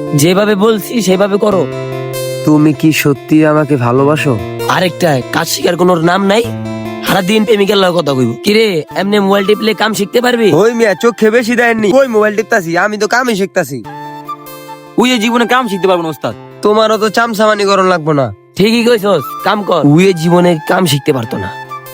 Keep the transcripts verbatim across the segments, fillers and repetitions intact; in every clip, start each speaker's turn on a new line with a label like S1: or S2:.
S1: যেভাবে বলছি সেভাবে করো।
S2: তুমি কি সত্যি আমাকে ভালোবাসো?
S1: আরেকটা কাজ শিখার কোনো নাম নাই, সারাদিন প্রেমিকের লগে কথা কইব। কিরে এমনি মোবাইল টিপলে কাম শিখতে পারবি?
S2: ওই মিয়া চোখে বেশি দেয়নি, ওই মোবাইল টিপতাছি, আমি তো কামই শিখতাছি।
S3: ওই জীবনে কাম শিখতে পারবো না ওস্তাদ।
S2: তোমারও তো চামচামানি করন লাগবো না।
S1: ঠিকই কইছস, কাম কর। উয়ে জীবনে কাম শিখতে পারতো না।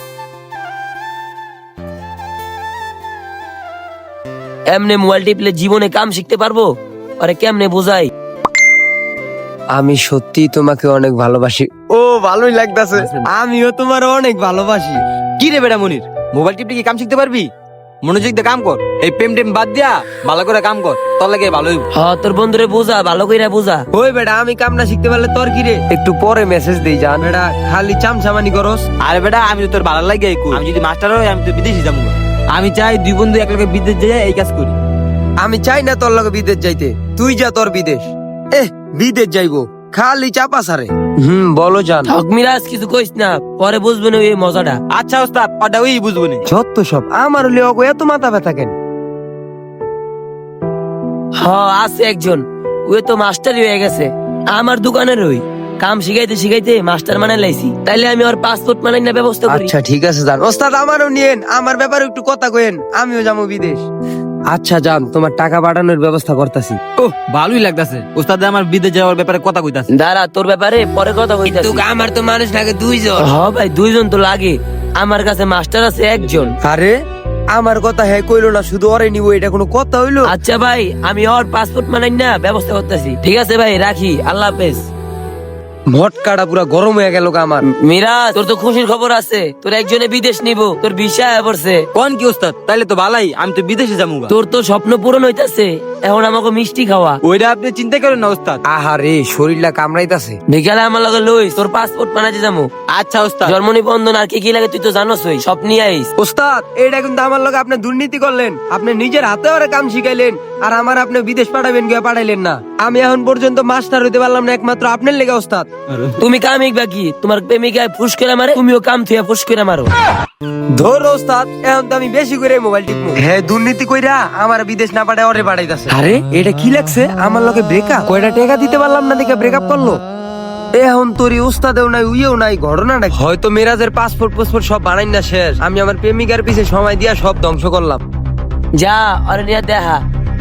S1: এমনি মোবাইল টিপলে জীবনে কাম শিখতে পারবো? আরে কেমনে বোঝাই?
S2: আমি সত্যি তোমাকে অনেক ভালোবাসি। ও ভালোই লাগতাছে, আমিও তোমার অনেক ভালোবাসি।
S3: কি রে বেটা মনির, মোবাইল টিপলে কি কাম শিখতে পারবি? মনোযোগ দিয়ে কাম কর, এই প্রেম টেম বাদ দিয়া ভালো করে কাম কর, তোর লাগে ভালো হইব।
S1: হ তোর বন্ধুরে বোঝা, ভালো কইরা বোঝা।
S2: ওই বেটা আমি কামটা শিখতে পারলে তোর কি রে? একটু পরে মেসেজ দেই জান। বেটা খালি চামচামানি করস।
S3: আরে বেটা আমি তো তোর ভালো লাগে, আমি যদি মাস্টার হই আমি তো বিদেশে যাবো। আমি চাই দুই বন্ধু এক লগে বিদেশ যাই এই কাজ করি।
S2: আমি চাই না তোর লগে বিদেশ যাইতে, তুই যা তোর বিদেশ। এহ বিদেশ যাইবো খালি চাপা সারে। হুম বলো জান।
S1: হক মিরাজ কিছু কইস না, পরে বুঝবে না এই মজাটা।
S3: আচ্ছা ওস্তাদ, ওটা ওই বুঝবো না।
S2: যত সব আমার হলে অগো এত মাথা ব্যথা কেন?
S1: হ আছে একজন, ওই তো মাস্টারই হয়ে গেছে আমার দোকানের। ওই কাম শিখাইতে শিখাইতে মাস্টার মানে লাইছি, তাইলে আমি ওর পাসপোর্ট মানে না ব্যবস্থা করি।
S2: আচ্ছা ঠিক আছে জান। ওস্তাদ আমারও নিয়েন, আমার ব্যাপারে একটু কথা কইেন, আমিও যাবো বিদেশ। আচ্ছা জান, তোমার টাকা পাঠানোর ব্যবস্থা করতেছি।
S3: ওহ ভালোই লাগতাছে, ওস্তাদ আমার বিদেশ যাওয়ার ব্যাপারে কথা কইতাছে।
S1: দাঁড়া তোর ব্যাপারে পরে কথা কইতাছি।
S2: আমার তো মানুষ লাগে দুইজন।
S1: হ ভাই দুইজন তো লাগে, আমার কাছে মাস্টার আছে একজন।
S2: আরে আমার কথা হ্যাঁ কইলো না, শুধু ওরে নিবো, এটা কোনো কথা হইলো?
S1: আচ্ছা ভাই আমি ওর পাসপোর্ট মানে না ব্যবস্থা করতেছি। ঠিক আছে ভাই রাখি, আল্লাহ হাফেজ।
S2: মটকাটা পুরা গরম হয়ে গেল আমার।
S1: মিরাজ তোর তো খুশির খবর আছে, তোর একজনে বিদেশ নিব, তোর ভিসা পড়ছে।
S3: কোন কি ওস্তাদ, তাইলে তো ভালাই, আমি তো বিদেশে যাবো।
S1: তোর তো স্বপ্ন পূরণ হইতাছে, এখন আমাকে মিষ্টি খাওয়া।
S3: ওইটা আপনি চিন্তা করেন না ওস্তাদ।
S2: আহারে শরীরটা কামড়াইতাছে।
S1: বিকালে আমার লগে লইস, তোর পাসপোর্ট বানাইতে যাবো।
S3: আচ্ছা ওস্তাদ।
S1: জন্ম নিবন্ধন আর কি কি লাগে তুই তো জানোসই, সব নিয়ে আইস।
S2: ওস্তাদ এটা কিন্তু আমার লগে আপনি দুর্নীতি করলেন, আপনি নিজের হাতে ওরে কাম শিখাইলেন, আর আমার আপনি বিদেশ পাঠাবেন গিয়ে পাঠাইলেন না। আমি এখন পর্যন্ত মাস্টার হইতে পারলাম না একমাত্র আপনার লেগে ওস্তাদ।
S1: তুমি কামিক বাকি, তোমার প্রেমিকায় ফুস করে মারে, তুমিও কাম থুয়া ফুস করে মারো।
S2: ধর ওস্তাদ, এখন তো আমি বেশি করে মোবাইল টিপবো। হ্যাঁ দুর্নীতি কইরা আমার বিদেশ না পাঠায় ওরে পাঠাইতাছে। আরে এটা কি লাগছে আমার লগে ব্রেকআপ? কয়টা টাকা দিতে পারলাম না দেখে ব্রেকআপ করলো। এখন তোরই উস্তাদেও নাই উইও নাই, ঘটনাটা কি? হয়তো মেরাজের পাসপোর্ট পাসপোর্ট সব বানাই না শেষ, আমি আমার প্রেমিকার পিছে সময় দিয়া সব ধ্বংস করলাম।
S1: যা আরে নিয়ে দেখা।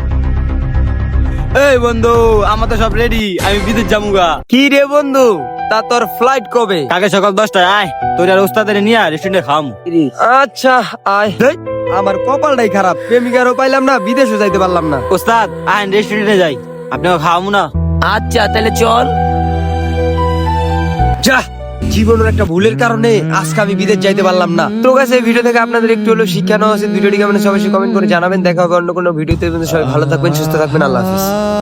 S3: এই বন্ধু আমার তো সব রেডি, আমি বিদেশ যাবুগা।
S2: কি রে বন্ধু, তা তোর ফ্লাইট কবে?
S3: কালকে সকাল দশটায় আয়, তোর আর ওস্তাদের নিয়ে রেস্টুরেন্টে খাম।
S2: আচ্ছা আয়। হেই, আমার কপালটাই খারাপ, প্রেমিকারও পাইলাম না, বিদেশও যাইতে পারলাম না।
S3: ওস্তাদ আয় রেস্টুরেন্টে যাই, আপনাকে খাওয়াবো না।
S1: আচ্ছা তাহলে চল।
S2: যা, জীবনের একটা ভুলের কারণে আজকে আমি বিদেশ যাইতে পারলাম না। তো কাছে ভিডিও থেকে আপনাদের একটু হলো শিক্ষা নেওয়া আছে। ভিডিওটি কেমন সবাই কমেন্ট করে জানাবেন। দেখা হবে অন্য কোনো ভিডিওতে। সবাই ভালো থাকবেন, সুস্থ থাকবেন, আল্লাহ হাফিজ।